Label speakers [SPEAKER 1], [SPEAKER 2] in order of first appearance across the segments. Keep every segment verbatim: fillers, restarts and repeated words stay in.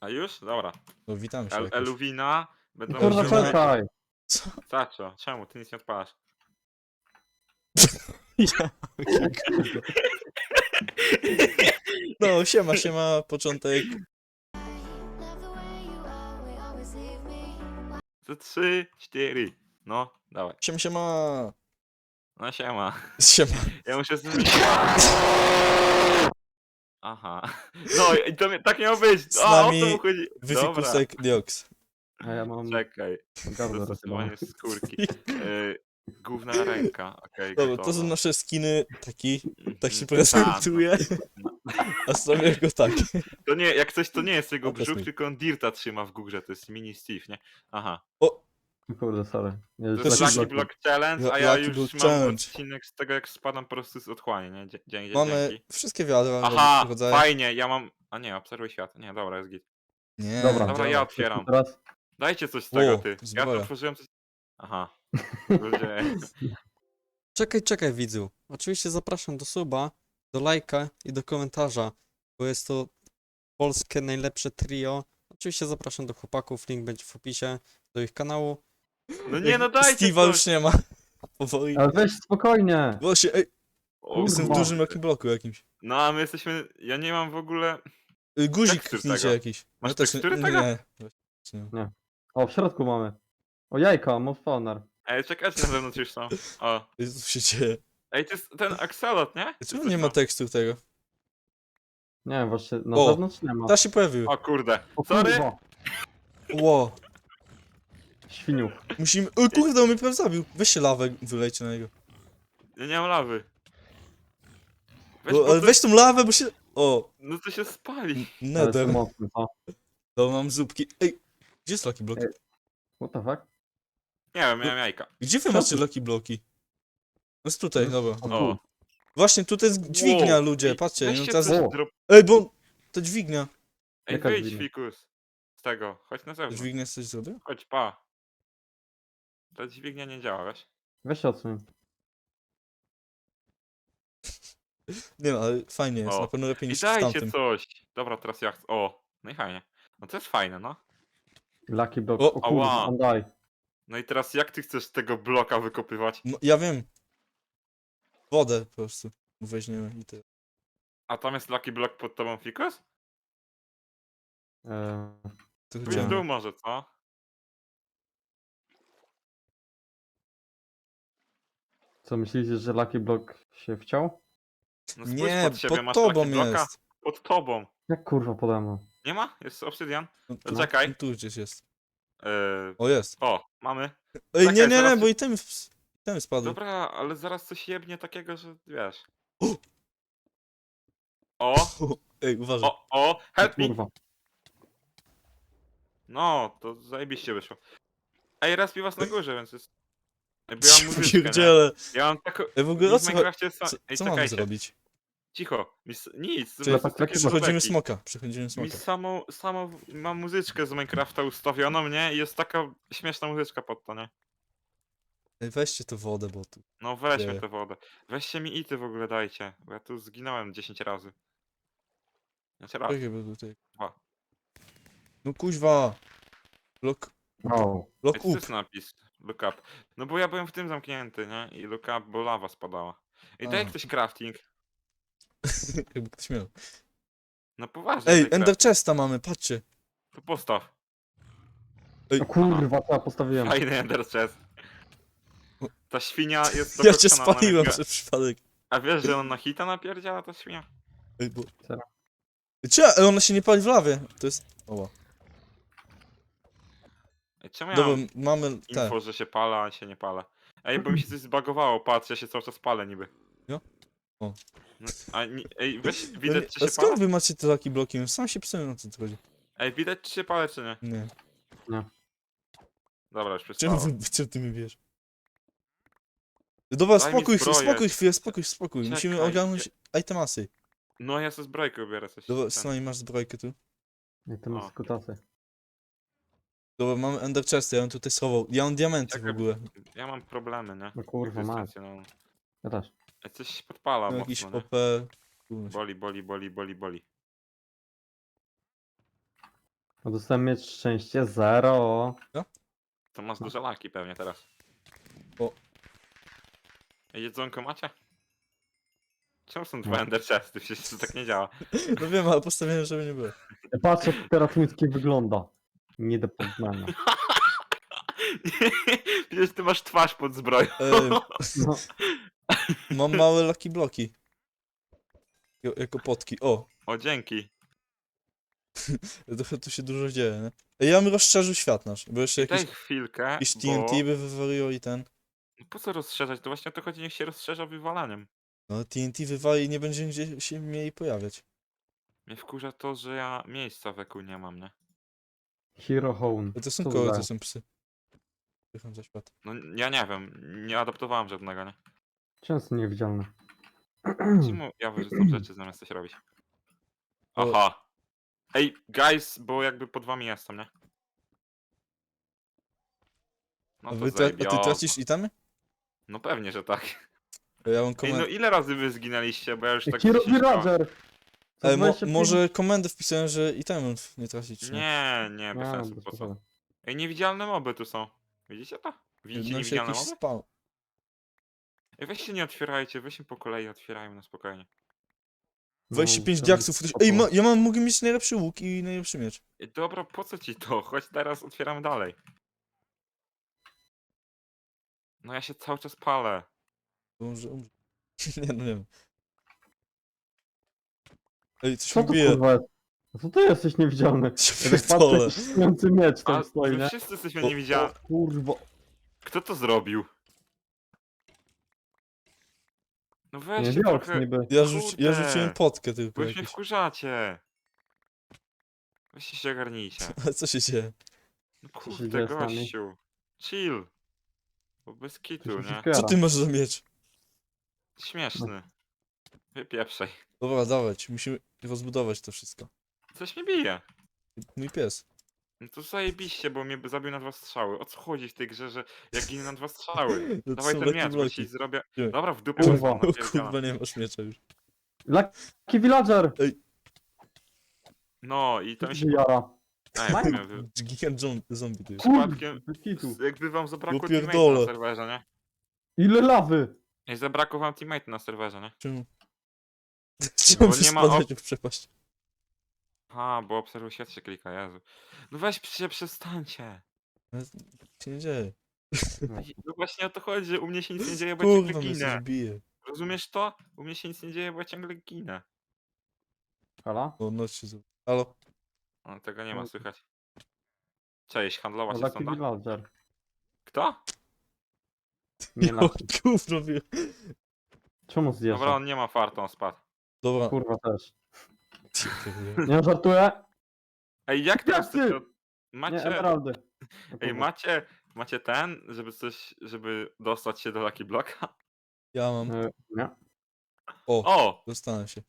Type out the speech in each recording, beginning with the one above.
[SPEAKER 1] A już? Dobra.
[SPEAKER 2] No witam się
[SPEAKER 1] El
[SPEAKER 2] jakoś.
[SPEAKER 1] Eluwina będą
[SPEAKER 3] Kurwa,
[SPEAKER 2] Eluwina.
[SPEAKER 3] czekaj!
[SPEAKER 2] Co?
[SPEAKER 1] Saczo, czemu? Ty nic nie odpalasz.
[SPEAKER 2] Ja, kurwa. No, siema, siema, początek.
[SPEAKER 1] To trzy, cztery. No, dawaj.
[SPEAKER 2] Siema, siema.
[SPEAKER 1] No siema.
[SPEAKER 2] Siema.
[SPEAKER 1] Ja muszę z... Aha. No i to mi- tak miało być.
[SPEAKER 2] Z
[SPEAKER 1] A, o
[SPEAKER 2] nami
[SPEAKER 1] to mu chodzi. Dobra,
[SPEAKER 2] Wyfikusek Dioks.
[SPEAKER 3] A ja mam
[SPEAKER 1] czekaj.
[SPEAKER 3] gardło
[SPEAKER 1] Dostosowanie
[SPEAKER 3] rozjebane.
[SPEAKER 1] skórki. Yy, główna ręka. Okej,
[SPEAKER 2] Dobra, to
[SPEAKER 1] gotowa.
[SPEAKER 2] są nasze skiny. Taki, tak się
[SPEAKER 1] Mhm.
[SPEAKER 2] prezentuje.
[SPEAKER 1] no.
[SPEAKER 2] A stawiam go tak.
[SPEAKER 1] To nie, jak coś to nie jest jego
[SPEAKER 2] O, to jest
[SPEAKER 1] brzuch,
[SPEAKER 2] mój.
[SPEAKER 1] tylko on Dirta trzyma w górze. To jest mini Steve, nie? Aha.
[SPEAKER 2] O,
[SPEAKER 3] Kurde, sorry. Nie,
[SPEAKER 1] To
[SPEAKER 2] To
[SPEAKER 1] jest
[SPEAKER 2] jest
[SPEAKER 1] Lucky
[SPEAKER 3] Lucky
[SPEAKER 1] Block Challenge, a
[SPEAKER 2] Lu-
[SPEAKER 1] ja
[SPEAKER 2] Lucky
[SPEAKER 1] już
[SPEAKER 2] Block
[SPEAKER 1] mam
[SPEAKER 2] Challenge.
[SPEAKER 1] odcinek z tego, jak spadam po prostu z otchłani, nie? Dzie- Dzięki,
[SPEAKER 2] mamy
[SPEAKER 1] dzięki.
[SPEAKER 2] wszystkie wiadra.
[SPEAKER 1] Aha,
[SPEAKER 2] rodzaje.
[SPEAKER 1] fajnie, ja mam... A nie, obserwuj świat. Nie, dobra, jest git.
[SPEAKER 2] Nie,
[SPEAKER 3] Dobra,
[SPEAKER 1] Dobra, ja
[SPEAKER 2] działa.
[SPEAKER 1] otwieram.
[SPEAKER 3] Teraz
[SPEAKER 1] Dajcie coś z tego,
[SPEAKER 2] O,
[SPEAKER 1] ty. Ja
[SPEAKER 2] zbroja.
[SPEAKER 1] to otworzyłem coś... Aha. Ludzie.
[SPEAKER 4] Czekaj, czekaj widzu. Oczywiście zapraszam do suba, do lajka i do komentarza, bo jest to polskie najlepsze trio. Oczywiście zapraszam do chłopaków, link będzie w opisie, do ich kanału.
[SPEAKER 1] No nie, no dajcie
[SPEAKER 2] Steve'a już
[SPEAKER 1] coś.
[SPEAKER 2] nie ma. Powoli.
[SPEAKER 3] Ale weź spokojnie!
[SPEAKER 2] Właśnie, ej,
[SPEAKER 1] O,
[SPEAKER 2] jestem w
[SPEAKER 3] Kurwa.
[SPEAKER 2] dużym Lucky Blocku jakimś.
[SPEAKER 1] No a my jesteśmy... Ja nie mam w ogóle...
[SPEAKER 2] Y, Guzik
[SPEAKER 1] Tekstur
[SPEAKER 2] kliknijcie
[SPEAKER 1] tego.
[SPEAKER 2] jakiś.
[SPEAKER 1] Masz
[SPEAKER 2] Ja też
[SPEAKER 1] tekstury
[SPEAKER 2] nie,
[SPEAKER 1] tego?
[SPEAKER 2] nie. Właśnie nie.
[SPEAKER 3] O, w środku mamy. O, jajka, most spawner.
[SPEAKER 1] Ej, czekajcie, na zewnątrz już są. O.
[SPEAKER 2] Co tu się dzieje?
[SPEAKER 1] Ej, to jest ten Axolot, nie? Czy
[SPEAKER 2] Czemu
[SPEAKER 1] coś
[SPEAKER 2] nie ma
[SPEAKER 1] tam?
[SPEAKER 2] tekstu tego?
[SPEAKER 3] Nie wiem, właśnie na
[SPEAKER 2] O,
[SPEAKER 3] zewnątrz nie ma.
[SPEAKER 2] Ta się pojawił.
[SPEAKER 1] O kurde.
[SPEAKER 3] O
[SPEAKER 1] Sorry.
[SPEAKER 3] kurwa!
[SPEAKER 2] Ło.
[SPEAKER 3] Świniuch.
[SPEAKER 2] Musimy... O kurde, on mnie prawie zabił. Weźcie lawę, wylejcie na niego.
[SPEAKER 1] Ja nie mam lawy. Weź,
[SPEAKER 2] O,
[SPEAKER 1] bo
[SPEAKER 2] ale
[SPEAKER 1] to...
[SPEAKER 2] weź tą lawę, bo się... O,
[SPEAKER 1] No to się spali.
[SPEAKER 3] Ale
[SPEAKER 2] nether.
[SPEAKER 3] są mocny, co?
[SPEAKER 2] To mam zupki. Ej, gdzie jest Lucky Block?
[SPEAKER 3] Ej. What the fuck?
[SPEAKER 1] Nie wiem, miałem jajka.
[SPEAKER 2] Gdzie wy
[SPEAKER 3] Co
[SPEAKER 2] macie
[SPEAKER 3] ty?
[SPEAKER 2] Lucky Bloki? No jest tutaj, dobra.
[SPEAKER 3] O,
[SPEAKER 1] O.
[SPEAKER 3] tu.
[SPEAKER 2] Właśnie, tutaj jest dźwignia,
[SPEAKER 1] Wow.
[SPEAKER 2] ludzie,
[SPEAKER 1] Ej,
[SPEAKER 2] patrzcie. No
[SPEAKER 1] weźcie
[SPEAKER 2] teraz...
[SPEAKER 1] coś
[SPEAKER 3] O.
[SPEAKER 1] drop...
[SPEAKER 2] Ej, bo... To dźwignia.
[SPEAKER 1] Ej,
[SPEAKER 3] Jaka
[SPEAKER 1] wyjdź,
[SPEAKER 3] dźwignia?
[SPEAKER 1] Fikus. Z tego, chodź na zewnątrz.
[SPEAKER 2] Dźwignia coś zrobił?
[SPEAKER 1] Chodź, pa. Ta dźwignia nie działa, wiesz?
[SPEAKER 3] Weź się odsuń.
[SPEAKER 2] Nie no, ale fajnie jest,
[SPEAKER 1] O.
[SPEAKER 2] na pewno lepiej
[SPEAKER 1] I
[SPEAKER 2] niż w
[SPEAKER 1] dajcie
[SPEAKER 2] tamtym.
[SPEAKER 1] coś. Dobra, teraz ja chcę... O, no i fajnie. No to jest fajne, no.
[SPEAKER 3] Lucky block.
[SPEAKER 2] O,
[SPEAKER 3] O, kurwa,
[SPEAKER 1] ała.
[SPEAKER 3] on daj.
[SPEAKER 1] No i teraz jak ty chcesz tego bloka wykopywać?
[SPEAKER 2] No, ja wiem. Wodę po prostu weźmiemy i tyle.
[SPEAKER 1] A tam jest Lucky Block pod tobą, Fikus?
[SPEAKER 3] Eee,
[SPEAKER 2] To
[SPEAKER 1] Pójdź w
[SPEAKER 2] chodziło.
[SPEAKER 1] dół może, co?
[SPEAKER 3] co myślicie, że Lucky block się wciął?
[SPEAKER 1] No spójrz
[SPEAKER 2] Nie,
[SPEAKER 1] pod siebie,
[SPEAKER 2] pod
[SPEAKER 1] masz
[SPEAKER 2] tobą
[SPEAKER 1] Lucky Blocka?
[SPEAKER 2] jest.
[SPEAKER 1] Pod tobą.
[SPEAKER 3] Jak kurwa pode mną?
[SPEAKER 1] Nie ma? Jest obsydian?
[SPEAKER 2] No,
[SPEAKER 1] To czekaj.
[SPEAKER 2] no, tu gdzieś jest.
[SPEAKER 1] Yy,
[SPEAKER 2] O, jest.
[SPEAKER 1] o, mamy.
[SPEAKER 2] Ej, nie,
[SPEAKER 1] Czekaj,
[SPEAKER 2] nie, nie,
[SPEAKER 1] zaraz-
[SPEAKER 2] bo i ten, ten spadł.
[SPEAKER 1] Dobra, ale zaraz coś jebnie takiego, że wiesz.
[SPEAKER 2] O!
[SPEAKER 1] O,
[SPEAKER 2] Ej, uważaj.
[SPEAKER 1] o, o, help me!
[SPEAKER 3] Kurwa.
[SPEAKER 1] No, to zajebiście wyszło. Ej, respi was na górze, więc jest... Ej, bo ja mam
[SPEAKER 2] Ja
[SPEAKER 1] muzyczkę, nie?
[SPEAKER 2] pierdzielę.
[SPEAKER 1] Ja mam taką...
[SPEAKER 2] Ej, w ogóle
[SPEAKER 1] Mi
[SPEAKER 2] o
[SPEAKER 1] w
[SPEAKER 2] co, cho-
[SPEAKER 1] Minecrafcie jest...
[SPEAKER 2] co,
[SPEAKER 1] Ej,
[SPEAKER 2] co mamy
[SPEAKER 1] czekajcie,
[SPEAKER 2] zrobić?
[SPEAKER 1] cicho. Mi s... Nic,
[SPEAKER 3] Czyli
[SPEAKER 1] jest
[SPEAKER 3] tak
[SPEAKER 1] takie
[SPEAKER 3] taki
[SPEAKER 2] Przechodzimy
[SPEAKER 1] żarteki.
[SPEAKER 2] smoka, przechodzimy
[SPEAKER 1] Mi
[SPEAKER 2] smoka.
[SPEAKER 1] samą, samą mam muzyczkę z Minecrafta ustawioną, nie? I jest taka śmieszna muzyczka pod to, nie?
[SPEAKER 2] Ej, weźcie tę wodę, bo tu...
[SPEAKER 1] No weźmy
[SPEAKER 2] Nie.
[SPEAKER 1] tę wodę. Weźcie mi ity w ogóle dajcie, bo ja tu zginąłem dziesięć razy. Znaczy raz,
[SPEAKER 2] Czekaj, bo tutaj...
[SPEAKER 1] dwa.
[SPEAKER 2] No kuźwa. Lock,
[SPEAKER 3] Wow.
[SPEAKER 1] Ej,
[SPEAKER 2] lock
[SPEAKER 1] co to
[SPEAKER 2] up.
[SPEAKER 1] jest napis? Look up. No bo ja byłem w tym zamknięty, nie? I look up, bo lawa spadała. Ej, daj
[SPEAKER 2] A.
[SPEAKER 1] ktoś crafting.
[SPEAKER 2] Jakby ktoś miał.
[SPEAKER 1] No poważnie,
[SPEAKER 2] Ej,
[SPEAKER 1] daj
[SPEAKER 2] Ender
[SPEAKER 1] crafting.
[SPEAKER 2] Chesta mamy, patrzcie.
[SPEAKER 1] To postaw.
[SPEAKER 3] O kurwa, co ja postawiłem?
[SPEAKER 1] Fajny ender chest. Ta świnia jest
[SPEAKER 2] Ja cię
[SPEAKER 1] dokokszona na
[SPEAKER 2] spaliłem
[SPEAKER 1] mega-
[SPEAKER 2] przez przypadek.
[SPEAKER 1] A wiesz, że on na hita napierdziała ta świnia?
[SPEAKER 2] Ej, bo...
[SPEAKER 3] Serio?
[SPEAKER 2] Cie, ej, ona się nie pali w lawie. To jest... Oła.
[SPEAKER 1] Ej, czemu ja
[SPEAKER 2] Dobra,
[SPEAKER 1] mam
[SPEAKER 2] mamy te.
[SPEAKER 1] info, że się pala, a się nie pala? Ej, bo mi się coś zbagowało, patrz, ja się cały czas palę niby.
[SPEAKER 2] Jo? O.
[SPEAKER 1] No, a, ni- ej, weź,
[SPEAKER 2] No
[SPEAKER 1] widać
[SPEAKER 2] nie-
[SPEAKER 1] czy
[SPEAKER 2] a
[SPEAKER 1] się
[SPEAKER 2] skąd
[SPEAKER 1] palę?
[SPEAKER 2] wy macie te Lucky Bloki? Sam się psułem, na co to chodzi.
[SPEAKER 1] Ej, widać czy się palę, czy nie?
[SPEAKER 2] Nie.
[SPEAKER 1] Dobra, już
[SPEAKER 2] Czemu
[SPEAKER 1] przestało.
[SPEAKER 2] wy, co ty mi wiesz? Dobra,
[SPEAKER 1] Daj mi
[SPEAKER 2] spokój, chwilę,
[SPEAKER 1] zbroję.
[SPEAKER 2] spokój chwilę, spokój, spokój. Musimy
[SPEAKER 1] Czekaj,
[SPEAKER 2] ogarnąć itemasy.
[SPEAKER 1] No ja sobie zbrojkę ubiorę coś.
[SPEAKER 2] Dobra,
[SPEAKER 1] ten.
[SPEAKER 2] Snoj, masz zbrojkę tu.
[SPEAKER 3] I to
[SPEAKER 1] O.
[SPEAKER 3] jest kutasy.
[SPEAKER 2] Dobra, mamy Ender Chest, ja bym tutaj schował. Ja mam diamenty w
[SPEAKER 1] Czekaj,
[SPEAKER 2] ogóle.
[SPEAKER 1] Ja mam problemy, nie?
[SPEAKER 3] No kurwa, masz.
[SPEAKER 1] Egzystencjonalne.
[SPEAKER 3] Ja też.
[SPEAKER 1] Ej, coś się podpala
[SPEAKER 2] Mam jakiś
[SPEAKER 1] mocno, nie?
[SPEAKER 2] O P. Kurwa.
[SPEAKER 1] Boli, boli, boli, boli, boli.
[SPEAKER 3] No dostałem mieć szczęście zero.
[SPEAKER 1] To masz duże laki pewnie teraz.
[SPEAKER 2] O.
[SPEAKER 1] Ej, jedzonko macie? Czemu są
[SPEAKER 3] No.
[SPEAKER 1] dwa ender chesty? Przecież to tak nie działa.
[SPEAKER 2] No wiem, ale postawiłem, żeby nie było.
[SPEAKER 3] Patrz jak teraz mój wygląda. Nie do poznania.
[SPEAKER 1] Przecież ty masz twarz pod zbroją.
[SPEAKER 2] Ej,
[SPEAKER 3] No.
[SPEAKER 2] mam małe lucky bloki. Jo- Jako potki. O,
[SPEAKER 1] O, dzięki.
[SPEAKER 2] trochę tu się dużo dzieje, nie? Ej, ja bym rozszerzył świat nasz, bo jeszcze
[SPEAKER 1] Daj
[SPEAKER 2] jakiś,
[SPEAKER 1] chwilkę,
[SPEAKER 2] jakiś
[SPEAKER 1] bo...
[SPEAKER 2] T N T by wywaliło i ten.
[SPEAKER 1] No po co rozszerzać? To właśnie o to chodzi, niech się rozszerza wywalaniem.
[SPEAKER 2] No T N T wywali i nie będzie gdzie się mieli pojawiać.
[SPEAKER 1] Mnie wkurza to, że ja miejsca wokół nie mam, nie?
[SPEAKER 3] Hero Hone.
[SPEAKER 2] Ale to są
[SPEAKER 3] Co
[SPEAKER 2] koły,
[SPEAKER 3] za-
[SPEAKER 2] to są psy. Pycham za świat.
[SPEAKER 1] No ja nie wiem, nie adaptowałem żadnego, nie?
[SPEAKER 3] Często niewidzialne.
[SPEAKER 1] Czemu ja wyrzucam rzeczy zamiast coś robić?
[SPEAKER 2] O.
[SPEAKER 1] Aha. Ej, guys, bo jakby pod wami jestem, nie? No
[SPEAKER 2] A,
[SPEAKER 1] to
[SPEAKER 2] wy tra- a ty
[SPEAKER 1] zajebiozo.
[SPEAKER 2] tracisz itemy?
[SPEAKER 1] No pewnie, że tak.
[SPEAKER 2] A ja mam
[SPEAKER 1] Ej, no
[SPEAKER 2] komendę.
[SPEAKER 1] ile razy wy zginęliście, bo ja już tak
[SPEAKER 3] Hero
[SPEAKER 1] dziesięć koła-
[SPEAKER 3] Villager!
[SPEAKER 2] Ale mo
[SPEAKER 3] dwadzieścia pięć
[SPEAKER 2] może komendę wpisałem, że itemów nie tracić. Nie.
[SPEAKER 1] Nie, nie, bez
[SPEAKER 3] A,
[SPEAKER 1] sensu,
[SPEAKER 3] bez
[SPEAKER 1] po co?
[SPEAKER 3] przesady.
[SPEAKER 1] Ej, niewidzialne moby tu są. Widzicie to? Widzicie
[SPEAKER 2] No się
[SPEAKER 1] niewidzialne
[SPEAKER 2] jakiś
[SPEAKER 1] moby?
[SPEAKER 2] spał.
[SPEAKER 1] Ej, weź się nie otwierajcie, weź się po kolei otwierajmy na spokojnie.
[SPEAKER 2] dwadzieścia pięć
[SPEAKER 3] No,
[SPEAKER 2] diaksów.
[SPEAKER 3] to-
[SPEAKER 2] Ej, ma, ja mam, mogę mieć najlepszy łuk i najlepszy miecz.
[SPEAKER 1] Ej, dobra, po co ci to? Chodź teraz otwieramy dalej. No ja się cały czas palę.
[SPEAKER 2] Bo może umrze. Nie, no nie wiem. Ej, coś
[SPEAKER 3] Co
[SPEAKER 2] mi
[SPEAKER 3] to
[SPEAKER 2] bije.
[SPEAKER 3] kurwa jest? No co ty jesteś niewidzialny?
[SPEAKER 2] Ja
[SPEAKER 3] Ja tak
[SPEAKER 2] pierdolę.
[SPEAKER 3] patrzę, jakiś stojący miecz
[SPEAKER 1] A
[SPEAKER 3] tam stoi,
[SPEAKER 1] my
[SPEAKER 3] nie?
[SPEAKER 1] wszyscy jesteśmy
[SPEAKER 2] O,
[SPEAKER 1] niewidzialni.
[SPEAKER 3] Kurwa.
[SPEAKER 1] Kto to zrobił? No
[SPEAKER 3] Nie
[SPEAKER 1] weźcie
[SPEAKER 3] wiem,
[SPEAKER 1] trochę...
[SPEAKER 3] niby.
[SPEAKER 2] Ja, rzuci, ja
[SPEAKER 1] Kurde.
[SPEAKER 2] rzuciłem potkę tylko
[SPEAKER 1] Bo już mnie
[SPEAKER 2] jakieś.
[SPEAKER 1] wkurzacie. Weźcie się ogarnijcie.
[SPEAKER 2] Ale co się dzieje?
[SPEAKER 1] No
[SPEAKER 3] się
[SPEAKER 1] kurde,
[SPEAKER 3] dzieje z nami?
[SPEAKER 1] gościu. Chill. Bo bez
[SPEAKER 3] To
[SPEAKER 1] kitu,
[SPEAKER 3] się
[SPEAKER 1] nie?
[SPEAKER 3] wszystko
[SPEAKER 2] Co
[SPEAKER 3] jara.
[SPEAKER 2] ty masz za miecz?
[SPEAKER 1] Śmieszny. Wypieprzaj.
[SPEAKER 2] Dobra, dawać. Musimy rozbudować to wszystko.
[SPEAKER 1] Coś mnie bije.
[SPEAKER 2] Mój pies.
[SPEAKER 1] No to zajebiście, bo mnie zabił na dwa strzały. O co chodzi w tej grze, że jak ginę na dwa strzały?
[SPEAKER 2] No to
[SPEAKER 1] Dawaj
[SPEAKER 2] są
[SPEAKER 1] ten
[SPEAKER 2] lucky
[SPEAKER 1] miecz, bo
[SPEAKER 2] bloki.
[SPEAKER 1] ci zrobię...
[SPEAKER 2] Nie.
[SPEAKER 1] Dobra, w dupę
[SPEAKER 3] Kurwa.
[SPEAKER 1] wezmę,
[SPEAKER 2] O
[SPEAKER 1] napierdzielam.
[SPEAKER 2] kurwa, nie masz miecza już.
[SPEAKER 3] Lucky Villager!
[SPEAKER 1] No i to mi się...
[SPEAKER 3] Jara.
[SPEAKER 1] Ej,
[SPEAKER 3] Mike.
[SPEAKER 1] miałem wy-
[SPEAKER 2] Gigant zom- zombie to jest.
[SPEAKER 1] Przypadkiem-
[SPEAKER 3] Bez kitu.
[SPEAKER 1] jakby wam zabrakło
[SPEAKER 2] Ja
[SPEAKER 1] teammate'a na
[SPEAKER 2] pierdolę.
[SPEAKER 1] serwerze, nie?
[SPEAKER 3] Ile lawy?
[SPEAKER 1] Ej, zabrakło wam teammate na serwerze, nie?
[SPEAKER 2] Czemu? Czemu
[SPEAKER 1] nie ma
[SPEAKER 2] spadać w przepaść?
[SPEAKER 1] A, bo obserwuj świat się klika, Jezu. No weź się przestańcie.
[SPEAKER 2] Co się nie dzieje?
[SPEAKER 1] No właśnie o to chodzi, że u mnie się nic nie dzieje, bo ja ciągle
[SPEAKER 2] Kurwa, mnie coś
[SPEAKER 1] ginę.
[SPEAKER 2] bije.
[SPEAKER 1] Rozumiesz to? U mnie się nic nie dzieje, bo ja ciągle ginę.
[SPEAKER 3] Halo?
[SPEAKER 2] O, noc się zrobi. Halo?
[SPEAKER 1] O, tego nie ma słychać. Cześć, handlować się
[SPEAKER 3] Lucky
[SPEAKER 1] stąd. tak?
[SPEAKER 3] Villager.
[SPEAKER 1] Kto?
[SPEAKER 3] Nie
[SPEAKER 2] Jo,
[SPEAKER 3] Lucky.
[SPEAKER 2] gówno wie.
[SPEAKER 3] Czemu zjeżdża?
[SPEAKER 1] Dobra, on nie ma farta, on spadł.
[SPEAKER 2] Dobra.
[SPEAKER 3] Kurwa też.
[SPEAKER 2] Pierdolę.
[SPEAKER 3] Nie żartuję?
[SPEAKER 1] Ej, jak teraz
[SPEAKER 3] Jak ty?
[SPEAKER 1] chcecie...
[SPEAKER 3] Nie,
[SPEAKER 1] Macie...
[SPEAKER 3] emeraldy.
[SPEAKER 1] Ej, macie... Macie ten, żeby coś... żeby dostać się do Lucky Blocka?
[SPEAKER 2] Ja mam.
[SPEAKER 3] E, Nie.
[SPEAKER 2] O,
[SPEAKER 1] O!
[SPEAKER 2] dostanę się.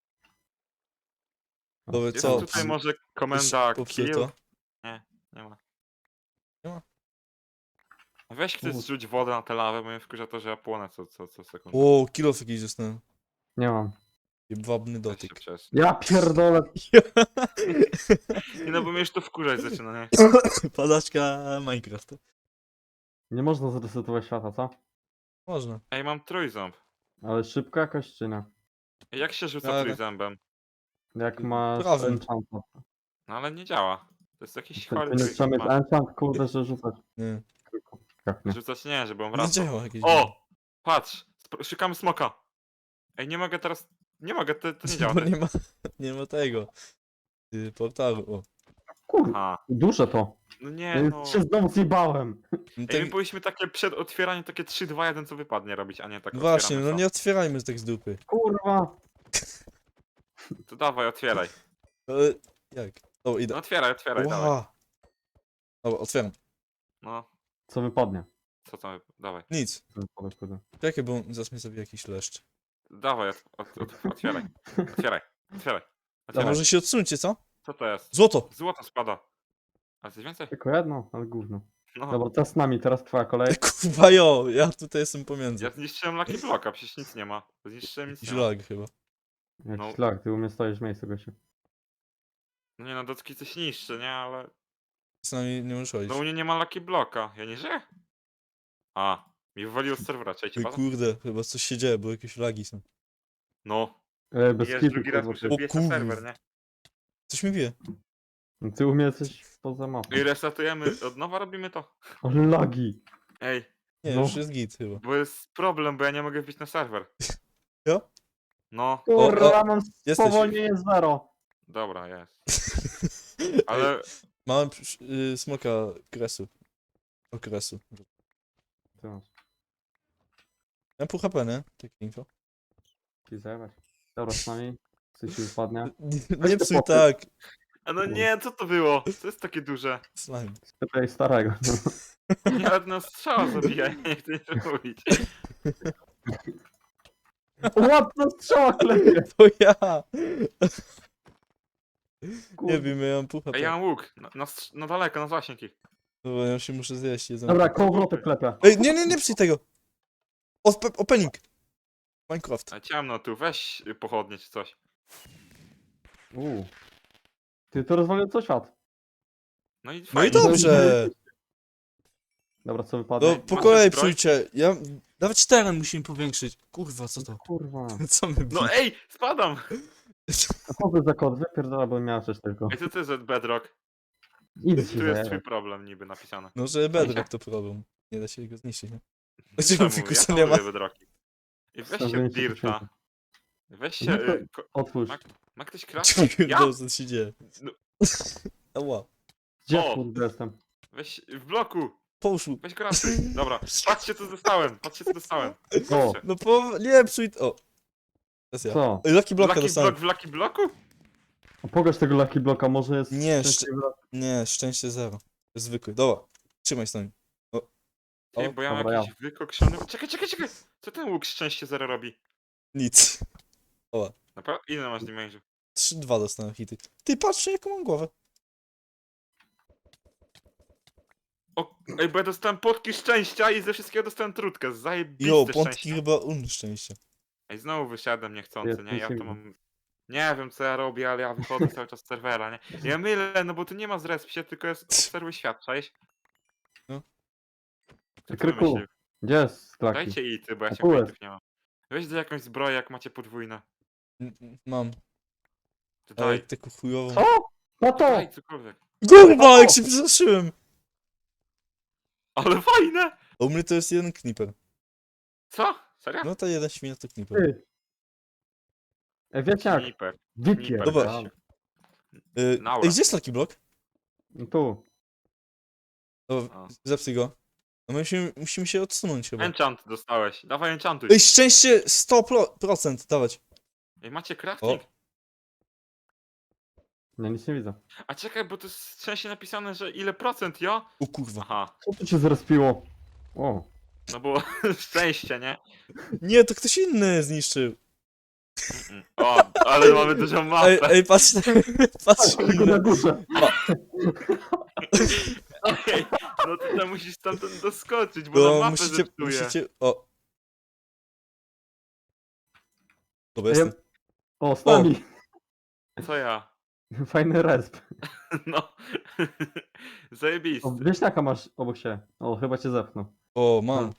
[SPEAKER 2] Dobra,
[SPEAKER 1] Jest
[SPEAKER 2] co?
[SPEAKER 1] tutaj może komenda
[SPEAKER 2] Popsuł
[SPEAKER 1] kill?
[SPEAKER 2] to?
[SPEAKER 1] Nie, nie ma.
[SPEAKER 2] Nie ma?
[SPEAKER 1] Weź ktoś
[SPEAKER 3] Mów.
[SPEAKER 1] zrzuć wodę na tę lawę, bo mnie wkurza to, że ja płonę co, co, co sekundę.
[SPEAKER 2] O, kilof jakiś dostałem.
[SPEAKER 3] Nie mam.
[SPEAKER 2] Jebwabny
[SPEAKER 1] Weź się
[SPEAKER 2] dotyk.
[SPEAKER 1] przez-
[SPEAKER 3] Ja pierdolę.
[SPEAKER 1] Nie no, bo mnie już to wkurzać zaczyna, nie?
[SPEAKER 2] Padaczka Minecraft.
[SPEAKER 3] Nie można zresetować świata, co?
[SPEAKER 2] Można.
[SPEAKER 1] Ej, mam trójząb.
[SPEAKER 3] Ale szybko jakoś czy nie?
[SPEAKER 1] Ej, jak się rzuca
[SPEAKER 2] Ale-
[SPEAKER 1] trójzębem?
[SPEAKER 3] Jak masz
[SPEAKER 2] Prawym.
[SPEAKER 3] enchanta.
[SPEAKER 1] No ale nie działa. To jest jakiś
[SPEAKER 3] To,
[SPEAKER 1] chory
[SPEAKER 3] to nie trzeba
[SPEAKER 1] trójząb.
[SPEAKER 3] mieć
[SPEAKER 1] ma.
[SPEAKER 3] enchant, kurde, że rzucać.
[SPEAKER 2] Nie.
[SPEAKER 3] Jak nie?
[SPEAKER 1] Rzucać nie, żeby on
[SPEAKER 2] Nie
[SPEAKER 1] wracał.
[SPEAKER 2] działa jakieś.
[SPEAKER 1] O! Patrz! Spro- Szukamy smoka. Ej, nie mogę teraz... Nie mogę, to, to nie działa.
[SPEAKER 2] Bo
[SPEAKER 1] tak.
[SPEAKER 2] nie ma, nie ma tego. y, Portalu. O.
[SPEAKER 3] Kurwa,
[SPEAKER 1] Aha.
[SPEAKER 3] duże to.
[SPEAKER 1] No nie
[SPEAKER 3] Ja
[SPEAKER 1] no.
[SPEAKER 3] się znowu zjebałem.
[SPEAKER 2] No
[SPEAKER 1] Ej,
[SPEAKER 2] tak,
[SPEAKER 1] my powinniśmy takie przed otwieraniem takie trzy, dwa, jeden co wypadnie robić, a nie tak
[SPEAKER 2] właśnie,
[SPEAKER 1] otwieramy
[SPEAKER 2] no
[SPEAKER 1] co.
[SPEAKER 2] nie otwierajmy tak z dupy.
[SPEAKER 3] Kurwa.
[SPEAKER 1] To dawaj, otwieraj.
[SPEAKER 2] Ale jak? O,
[SPEAKER 1] No
[SPEAKER 2] idę.
[SPEAKER 1] otwieraj, otwieraj, dawaj.
[SPEAKER 2] Ła. Dobra, otwieram.
[SPEAKER 1] No,
[SPEAKER 3] Co wypadnie?
[SPEAKER 1] co tam, dawaj.
[SPEAKER 2] Nic.
[SPEAKER 3] Co wypadnie, kurde.
[SPEAKER 2] Czekaj, bo zaraz mnie zabije jakiś leszcz.
[SPEAKER 1] Dawaj, ot, ot, ot, otwieraj. Otwieraj, otwieraj.
[SPEAKER 2] A
[SPEAKER 1] otwieraj.
[SPEAKER 2] może się odsuńcie, co?
[SPEAKER 1] Co to jest?
[SPEAKER 2] Złoto!
[SPEAKER 1] Złoto spada. A coś więcej?
[SPEAKER 3] Tylko jedno, ale gówno.
[SPEAKER 1] No.
[SPEAKER 3] Dobra, teraz z nami, teraz twoja kolej.
[SPEAKER 2] Kurwa jo, ja tutaj jestem pomiędzy.
[SPEAKER 1] Ja zniszczyłem Lucky Blocka, przecież nic nie ma. Zniszczyłem nic
[SPEAKER 2] Jakiś
[SPEAKER 1] nie ma.
[SPEAKER 2] lag chyba.
[SPEAKER 3] Jakiś
[SPEAKER 1] No.
[SPEAKER 3] lag, ty u mnie stoisz w miejscu, gościu.
[SPEAKER 1] No nie no, docki coś niszczy, nie? Ale
[SPEAKER 2] Z nami nie możesz chodzić.
[SPEAKER 1] no u mnie nie ma Lucky Blocka. Ja nie żyję? A, mi wywaliło z serwera, cześć,
[SPEAKER 2] Oj
[SPEAKER 1] pada?
[SPEAKER 2] kurde, chyba coś się dzieje, bo jakieś lagi są.
[SPEAKER 1] No,
[SPEAKER 3] E, bez
[SPEAKER 1] jest
[SPEAKER 3] kitu,
[SPEAKER 1] drugi raz
[SPEAKER 3] kurwa,
[SPEAKER 1] muszę
[SPEAKER 3] ty.
[SPEAKER 2] O
[SPEAKER 1] wbijać na
[SPEAKER 2] kurw.
[SPEAKER 1] serwer, nie?
[SPEAKER 2] Coś mi wie.
[SPEAKER 3] Ty u mnie jesteś poza mapą.
[SPEAKER 1] I resetujemy, od nowa robimy to.
[SPEAKER 3] Ale lagi.
[SPEAKER 1] Ej,
[SPEAKER 2] Nie,
[SPEAKER 3] No.
[SPEAKER 2] już jest git chyba.
[SPEAKER 1] bo jest problem, bo ja nie mogę wbić na serwer.
[SPEAKER 2] Jo?
[SPEAKER 1] No,
[SPEAKER 3] Kurwa, mam
[SPEAKER 2] jesteś.
[SPEAKER 3] spowolnienie zero.
[SPEAKER 1] dobra, jest. Ale
[SPEAKER 2] Mamy y, smoka kresu. Okresu.
[SPEAKER 3] Ty masz.
[SPEAKER 2] Ja pół H P, nie? Takie info.
[SPEAKER 3] Ci zajebać. Dobra, z nami. Coś ci wypadnie.
[SPEAKER 2] Nie, nie
[SPEAKER 3] te
[SPEAKER 2] psuj
[SPEAKER 3] popy.
[SPEAKER 2] tak.
[SPEAKER 1] A no nie, co to było? Co jest takie duże?
[SPEAKER 2] Slime.
[SPEAKER 3] Spytaj starego.
[SPEAKER 1] Nie, ale no strzała zabija, ja nie chcę nic mówić.
[SPEAKER 3] Łapno strzała klepie.
[SPEAKER 2] To ja!
[SPEAKER 3] Kurwa.
[SPEAKER 2] Nie wiem, ja mam pół H
[SPEAKER 1] Ej, ja
[SPEAKER 2] P.
[SPEAKER 1] mam łuk, na, na, strz- na daleko, na zasięg ich.
[SPEAKER 2] Dobra, ja się muszę zjeść. Jedzenie.
[SPEAKER 3] Dobra, kołowrotek klepie.
[SPEAKER 2] Ej, nie, nie, nie psuj tego! Ope- Opening! Minecraft.
[SPEAKER 1] A ciemno tu, weź y, pochodnie czy coś.
[SPEAKER 3] Uuu. Ty to rozwalił co świat.
[SPEAKER 1] No i
[SPEAKER 2] No i
[SPEAKER 1] fajnie.
[SPEAKER 2] dobrze!
[SPEAKER 3] Dobra, co wypadnie?
[SPEAKER 2] No po
[SPEAKER 1] Masz
[SPEAKER 2] kolei
[SPEAKER 1] zbroj?
[SPEAKER 2] psujcie. Ja... Nawet teren musimy powiększyć. Kurwa, co to?
[SPEAKER 3] Kurwa.
[SPEAKER 2] Co my
[SPEAKER 1] No
[SPEAKER 2] bi-
[SPEAKER 1] ej, spadam!
[SPEAKER 3] A co to za kod? Wypierdala, bo miał coś tylko.
[SPEAKER 1] Ej, co to jest za bedrock?
[SPEAKER 3] Idź
[SPEAKER 1] Tu
[SPEAKER 3] się
[SPEAKER 1] jest twój
[SPEAKER 3] zajebać.
[SPEAKER 1] problem niby napisane.
[SPEAKER 2] No, że bedrock to problem. Nie da się go zniszczyć, nie? Czemu
[SPEAKER 1] Czemu?
[SPEAKER 2] fikusa
[SPEAKER 1] ja
[SPEAKER 2] nie ma?
[SPEAKER 1] lubię bedrocki. I weźcie
[SPEAKER 3] Stawienie
[SPEAKER 1] od
[SPEAKER 3] się
[SPEAKER 1] Dirta.
[SPEAKER 3] tysięcy.
[SPEAKER 1] Weź się...
[SPEAKER 3] No to-
[SPEAKER 1] Y, ko-
[SPEAKER 3] Otwórz.
[SPEAKER 1] ma, ma ktoś crafting? Ja?
[SPEAKER 2] Dobrze, co się dzieje.
[SPEAKER 1] No.
[SPEAKER 2] Ała.
[SPEAKER 3] Gdzie
[SPEAKER 1] O!
[SPEAKER 3] kurde jestem?
[SPEAKER 1] Weź w bloku!
[SPEAKER 2] Poszło.
[SPEAKER 1] Weź crafting. Dobra, patrzcie co dostałem, patrzcie co dostałem.
[SPEAKER 3] O,
[SPEAKER 1] Patrzcie.
[SPEAKER 2] No po... Nie, psuj... O. Teraz ja.
[SPEAKER 3] co?
[SPEAKER 2] Ej, Lucky Blocka
[SPEAKER 1] Lucky
[SPEAKER 2] dostałem.
[SPEAKER 1] block w Lucky blocku?
[SPEAKER 3] A Pokaż tego Lucky Blocka, może jest...
[SPEAKER 2] Nie,
[SPEAKER 3] szczęśliwy blok.
[SPEAKER 2] Nie, szczęście zero. To jest zwykły. Dobra. Trzymaj z nami.
[SPEAKER 1] Ej,
[SPEAKER 2] O,
[SPEAKER 1] bo ja mam
[SPEAKER 3] dobra,
[SPEAKER 1] jakiś wykokszony... Czekaj, czekaj, czekaj! Co ten łuk szczęście zero robi?
[SPEAKER 2] Nic.
[SPEAKER 1] Naprawdę? Ile masz damage'u?
[SPEAKER 2] trzy dwa dostałem hity. Ty patrz, jaką mam głowę.
[SPEAKER 1] O, ej, bo ja dostałem potki szczęścia i ze wszystkiego dostałem trutkę. Zajebiste
[SPEAKER 2] Jo,
[SPEAKER 1] szczęście.
[SPEAKER 2] pątki chyba un szczęście.
[SPEAKER 1] Ej, znowu wysiadłem niechcący,
[SPEAKER 3] Jest
[SPEAKER 1] nie? Ja to
[SPEAKER 3] insignia.
[SPEAKER 1] mam... Nie wiem co ja robię, ale ja wychodzę cały czas z serwera, nie? Ja mylę, no bo tu nie ma zrespcie, tylko jest obserwuj świat, cześć?
[SPEAKER 2] No.
[SPEAKER 1] Kto to
[SPEAKER 3] Kryku.
[SPEAKER 1] wymyślił?
[SPEAKER 3] Gdzie jest Lucky?
[SPEAKER 1] Dajcie ity, bo ja
[SPEAKER 3] A
[SPEAKER 1] się
[SPEAKER 3] tu jest.
[SPEAKER 1] pointów nie mam. Weź do jakąś zbroję, jak macie podwójne.
[SPEAKER 2] N- n- Mam.
[SPEAKER 1] To
[SPEAKER 2] Ale
[SPEAKER 1] daj,
[SPEAKER 2] taką chujową.
[SPEAKER 3] Co? No to!
[SPEAKER 1] daj cokolwiek.
[SPEAKER 2] Kurwa, jak się przestraszyłem!
[SPEAKER 1] Ale fajne!
[SPEAKER 2] A u mnie to jest jeden kniper.
[SPEAKER 1] Co? Serio?
[SPEAKER 2] No to jeden świnia to kniper.
[SPEAKER 3] Ty. Ej, wiecie jak?
[SPEAKER 1] Sniper.
[SPEAKER 3] Wikier.
[SPEAKER 2] Dobra.
[SPEAKER 1] weź.
[SPEAKER 2] Y,
[SPEAKER 1] Naura.
[SPEAKER 2] Ej, gdzie jest Lucky Block?
[SPEAKER 3] No tu.
[SPEAKER 2] O,
[SPEAKER 1] O.
[SPEAKER 2] zepsuj go. No my musimy, musimy się odsunąć chyba.
[SPEAKER 1] Enchant dostałeś. Dawaj enchantuj.
[SPEAKER 2] Ej, szczęście sto procent dawać.
[SPEAKER 1] Ej, macie crafting?
[SPEAKER 3] Nie, nic nie widzę.
[SPEAKER 1] A czekaj, bo to jest szczęście napisane, że ile procent, jo?
[SPEAKER 2] O kurwa.
[SPEAKER 1] Aha,
[SPEAKER 3] Co tu się zrespiło? O.
[SPEAKER 1] no bo szczęście, nie?
[SPEAKER 2] Nie, to ktoś inny zniszczył.
[SPEAKER 1] Mm. O, ale mamy dużą mapę.
[SPEAKER 2] Ej, ej patrz, patrz
[SPEAKER 3] Tylko na
[SPEAKER 2] inny.
[SPEAKER 3] górze.
[SPEAKER 1] Ej, no to tam musisz stamtąd doskoczyć, bo na
[SPEAKER 2] No,
[SPEAKER 1] mapę
[SPEAKER 2] musicie,
[SPEAKER 1] zepsuje.
[SPEAKER 2] musicie, o. Dobra,
[SPEAKER 3] Ej,
[SPEAKER 2] jestem.
[SPEAKER 3] O, z nami.
[SPEAKER 1] Co ja?
[SPEAKER 3] Fajny resp.
[SPEAKER 1] No. Zajebisty.
[SPEAKER 3] O, wieśniaka masz obok siebie. O, chyba cię zepchnął.
[SPEAKER 2] O, mam.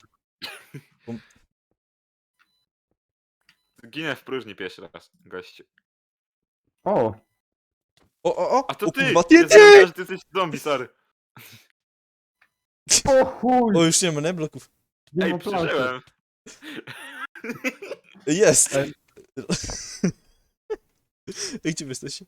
[SPEAKER 1] Ginę w próżni pierwszy raz, gościu.
[SPEAKER 3] O,
[SPEAKER 2] O, o, o!
[SPEAKER 1] A to
[SPEAKER 2] o,
[SPEAKER 1] ty!
[SPEAKER 2] kurwa,
[SPEAKER 1] Ja
[SPEAKER 2] ty,
[SPEAKER 1] zapomniałem,
[SPEAKER 2] ty!
[SPEAKER 1] że ty jesteś zombie, sorry.
[SPEAKER 3] o chuj!
[SPEAKER 2] O, już nie ma, nie? Bloków.
[SPEAKER 3] Nie
[SPEAKER 1] Ej,
[SPEAKER 3] ma planszy.
[SPEAKER 1] przeżyłem.
[SPEAKER 2] Jest!
[SPEAKER 3] Ej.
[SPEAKER 2] Ej, gdzie wy jesteście?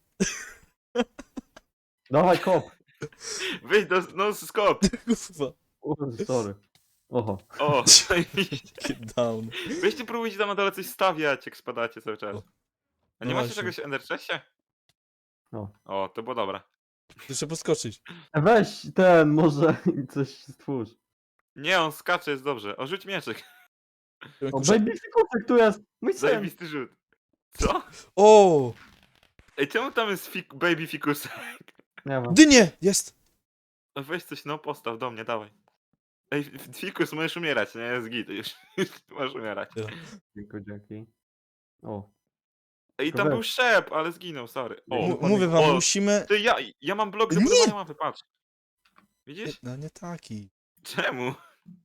[SPEAKER 3] Dawaj kop.
[SPEAKER 1] Wyjdź do no scope.
[SPEAKER 2] Kurwa.
[SPEAKER 3] O, sorry. Oho.
[SPEAKER 1] O, zajebiście.
[SPEAKER 2] Get down.
[SPEAKER 1] Weźcie próbujcie tam na dole coś stawiać, jak spadacie cały czas.
[SPEAKER 2] O.
[SPEAKER 1] A nie
[SPEAKER 2] No
[SPEAKER 1] macie
[SPEAKER 2] właśnie.
[SPEAKER 1] czegoś w Ender Chestie?
[SPEAKER 3] No.
[SPEAKER 1] O, to było dobre.
[SPEAKER 2] Muszę podskoczyć.
[SPEAKER 3] E, Weź ten, może coś stwórz.
[SPEAKER 1] Nie, on skacze, jest dobrze. O, rzuć mieczek.
[SPEAKER 3] O, baby fikusek tu jest. Mój syn.
[SPEAKER 1] Zajebisty rzut. Co?
[SPEAKER 2] O!
[SPEAKER 1] Ej, czemu tam jest fik baby fikusek?
[SPEAKER 3] Nie ma.
[SPEAKER 2] Dynie! Jest!
[SPEAKER 1] No weź coś, no postaw do mnie, dawaj. Ej, fikus, możesz umierać, nie? Jest git, już, już możesz umierać.
[SPEAKER 3] Dziękuję, dzięki. O.
[SPEAKER 1] Ej,
[SPEAKER 3] Tylko
[SPEAKER 1] tam był
[SPEAKER 3] wiesz.
[SPEAKER 1] szep, ale zginął, sorry. O,
[SPEAKER 2] M- mówię wam,
[SPEAKER 1] o,
[SPEAKER 2] musimy...
[SPEAKER 1] ty, ja, ja mam blok do
[SPEAKER 2] Nie!
[SPEAKER 1] budowania mapy, patrz.
[SPEAKER 2] Nie,
[SPEAKER 1] Widzisz?
[SPEAKER 2] no nie taki.
[SPEAKER 1] Czemu?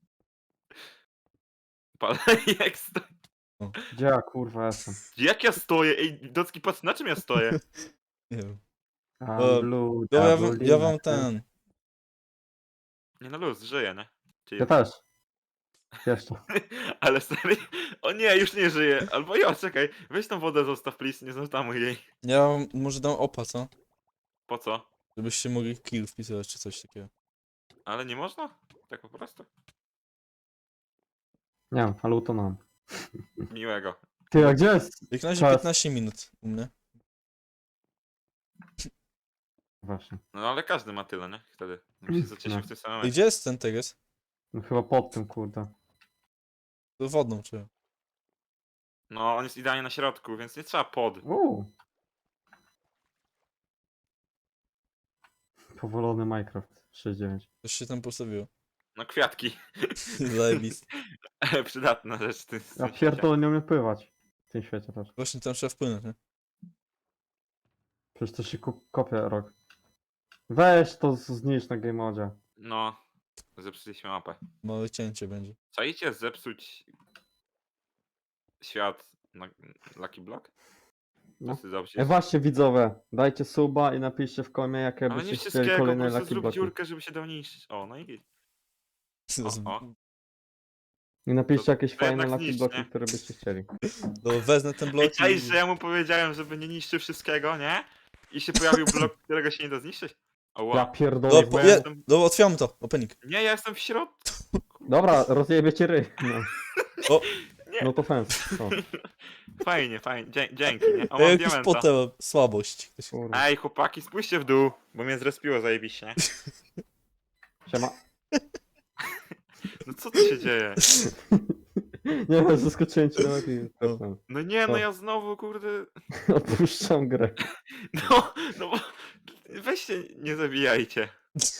[SPEAKER 1] Palej, jak sto...
[SPEAKER 3] Gdzie ja kurwa jestem?
[SPEAKER 1] Jak ja stoję? Ej, Docki, patrz, na czym ja stoję?
[SPEAKER 2] Nie wiem.
[SPEAKER 3] I'm
[SPEAKER 2] E,
[SPEAKER 3] blue,
[SPEAKER 2] No ja, wam-
[SPEAKER 3] double
[SPEAKER 2] ja
[SPEAKER 3] D,
[SPEAKER 2] wam
[SPEAKER 3] tak?
[SPEAKER 2] ten...
[SPEAKER 1] Nie no luz, żyję, nie? Czyli...
[SPEAKER 3] Ja też. Jeszcze.
[SPEAKER 1] Ale stary, o nie, już nie żyję. Albo ja, czekaj, weź tą wodę zostaw, please, nie zostamuj jej.
[SPEAKER 2] Ja wam może dam opa, co?
[SPEAKER 1] Po co?
[SPEAKER 2] Żebyście mogli kill wpisywać czy coś takiego.
[SPEAKER 1] Ale nie można? Tak po prostu?
[SPEAKER 3] Nie wiem, ale to mam.
[SPEAKER 1] Miłego.
[SPEAKER 3] Ty, a gdzie jest?
[SPEAKER 2] Jak na razie
[SPEAKER 3] Czas.
[SPEAKER 2] piętnaście minut u mnie.
[SPEAKER 3] Właśnie.
[SPEAKER 1] No ale każdy ma tyle, nie? Wtedy. My się zaczęliśmy
[SPEAKER 3] No.
[SPEAKER 1] w tym samym
[SPEAKER 2] I
[SPEAKER 1] momencie.
[SPEAKER 2] gdzie jest ten teges?
[SPEAKER 3] No chyba pod tym, kurde.
[SPEAKER 2] To wodną czy?
[SPEAKER 1] No, on jest idealnie na środku, więc nie trzeba pod.
[SPEAKER 3] Uuu. Powolony Minecraft sześć dziewięć.
[SPEAKER 2] Coś się tam postawiło.
[SPEAKER 1] No kwiatki.
[SPEAKER 2] Zajebiste.
[SPEAKER 1] Przydatna rzecz w tym w
[SPEAKER 3] Ja
[SPEAKER 1] tym świecie.
[SPEAKER 3] pierdolę, nie umiem pływać. W tym świecie też.
[SPEAKER 2] Właśnie tam trzeba wpłynąć, nie?
[SPEAKER 3] Przecież to się ku- kopie rok. Weź to z- zniszcz na game modzie.
[SPEAKER 1] No, zepsuliśmy mapę.
[SPEAKER 2] Małe cięcie będzie.
[SPEAKER 1] Czajcie zepsuć świat na Lucky Block?
[SPEAKER 3] No.
[SPEAKER 1] Wszyscy dobrze.
[SPEAKER 3] E właśnie widzowie, dajcie suba i napiszcie w komie, jakie
[SPEAKER 1] Ale nie
[SPEAKER 3] byście chcieli
[SPEAKER 1] wszystkiego, po
[SPEAKER 3] kolejne
[SPEAKER 1] prostu
[SPEAKER 3] Lucky
[SPEAKER 1] zrób
[SPEAKER 3] Blocky.
[SPEAKER 1] dziurkę, żeby się dał niszczyć. O, no i O, o.
[SPEAKER 3] I napiszcie
[SPEAKER 1] To-
[SPEAKER 3] jakieś
[SPEAKER 1] to
[SPEAKER 3] fajne
[SPEAKER 1] jednak
[SPEAKER 3] Lucky
[SPEAKER 1] zniszcz,
[SPEAKER 3] Blocky,
[SPEAKER 1] nie?
[SPEAKER 3] które byście chcieli.
[SPEAKER 2] No wezmę ten blok
[SPEAKER 1] Ej, czaisz,
[SPEAKER 2] i...
[SPEAKER 1] że ja mu powiedziałem, żeby nie niszczył wszystkiego, nie? I się pojawił blok, którego się nie da zniszczyć? O,
[SPEAKER 3] Ja
[SPEAKER 1] wow.
[SPEAKER 3] pierdolę,
[SPEAKER 2] No,
[SPEAKER 3] bo
[SPEAKER 2] po,
[SPEAKER 3] ja
[SPEAKER 2] je,
[SPEAKER 3] jestem...
[SPEAKER 2] no otwieramy to, opening.
[SPEAKER 1] Nie, ja jestem w środku.
[SPEAKER 3] Dobra, rozjebie cię ryj. No,
[SPEAKER 2] O,
[SPEAKER 1] Nie.
[SPEAKER 3] no to fans. O,
[SPEAKER 1] Fajnie, fajnie. Dzie dzięki, nie? O,
[SPEAKER 2] ja
[SPEAKER 1] mam
[SPEAKER 2] jakiś
[SPEAKER 1] diamenta.
[SPEAKER 2] potem słabość.
[SPEAKER 3] kurwa.
[SPEAKER 1] Ej, chłopaki, spójrzcie w dół, bo mnie zrespiło zajebiście, nie?
[SPEAKER 3] Siema.
[SPEAKER 1] No co tu się dzieje?
[SPEAKER 3] Nie wiem, zaskoczyłem cię nawet i...
[SPEAKER 2] No.
[SPEAKER 1] No nie, no
[SPEAKER 3] Co?
[SPEAKER 1] ja znowu, kurde...
[SPEAKER 3] Opuszczam grę.
[SPEAKER 1] No, no bo... Weźcie, nie zabijajcie.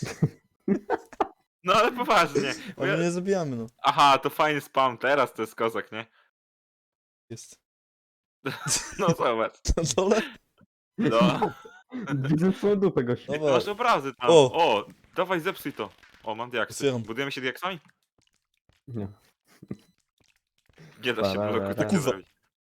[SPEAKER 1] No ale poważnie. Bo
[SPEAKER 2] Ale
[SPEAKER 1] ja...
[SPEAKER 2] nie zabijamy, no.
[SPEAKER 1] Aha, to fajny spam, teraz to jest kozak, nie?
[SPEAKER 2] Jest.
[SPEAKER 1] No zobacz.
[SPEAKER 2] Na dole?
[SPEAKER 1] No.
[SPEAKER 3] Widzę twoją dupę, gościu.
[SPEAKER 2] Dobra.
[SPEAKER 1] Masz obrazy tam.
[SPEAKER 2] O.
[SPEAKER 1] O, dawaj zepsuj to. O, mam diaksy.
[SPEAKER 2] Otwieram.
[SPEAKER 1] Budujemy się diaksami?
[SPEAKER 3] Nie.
[SPEAKER 1] Nie da się
[SPEAKER 3] Ba, ba,
[SPEAKER 1] bloku
[SPEAKER 3] ba,
[SPEAKER 1] tak
[SPEAKER 2] ba.
[SPEAKER 1] zrobić.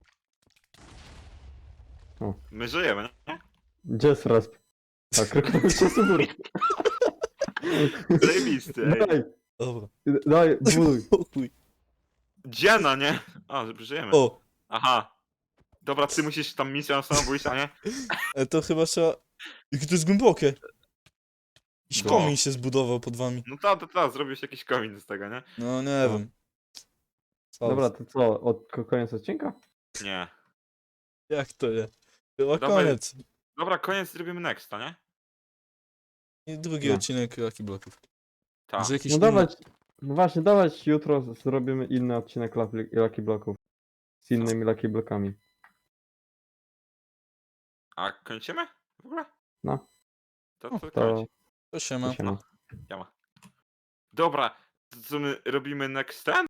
[SPEAKER 3] O.
[SPEAKER 1] My żyjemy, nie?
[SPEAKER 3] Gdzie jest resp? Tak, rekrutuj się z góry.
[SPEAKER 1] Zajebisty, ej.
[SPEAKER 3] Daj,
[SPEAKER 2] Dobra.
[SPEAKER 3] daj, buduj.
[SPEAKER 2] Pokój.
[SPEAKER 1] Dziena, nie? O, żyjemy.
[SPEAKER 2] O,
[SPEAKER 1] Aha. Dobra, ty musisz tam misją samobójstwa, nie?
[SPEAKER 2] e, to chyba trzeba... Jakie to jest głębokie. Jakiś
[SPEAKER 1] No.
[SPEAKER 2] komin się zbudował pod wami.
[SPEAKER 1] No to, to, to, zrobisz jakiś komin z tego, nie?
[SPEAKER 2] No nie
[SPEAKER 3] No.
[SPEAKER 2] wiem. Co?
[SPEAKER 3] Dobra, to co, od ko- koniec odcinka?
[SPEAKER 1] Nie.
[SPEAKER 2] Jak to nie? Chyba
[SPEAKER 1] Dawaj.
[SPEAKER 2] koniec.
[SPEAKER 1] Dobra, koniec zrobimy nexta, nie?
[SPEAKER 2] I drugi
[SPEAKER 3] No.
[SPEAKER 2] odcinek Lucky Blocków.
[SPEAKER 1] Tak.
[SPEAKER 2] Może jakiś
[SPEAKER 3] No
[SPEAKER 2] inny...
[SPEAKER 3] dawać, no właśnie, dawać jutro z- zrobimy inny odcinek Lucky, Lucky Blocków. Z innymi Lucky Blockami.
[SPEAKER 1] A kończymy? W ogóle?
[SPEAKER 3] No.
[SPEAKER 1] To, to,
[SPEAKER 3] To,
[SPEAKER 1] kończ.
[SPEAKER 2] To się ma.
[SPEAKER 3] to się ma.
[SPEAKER 1] Dobra, to co my robimy next ten?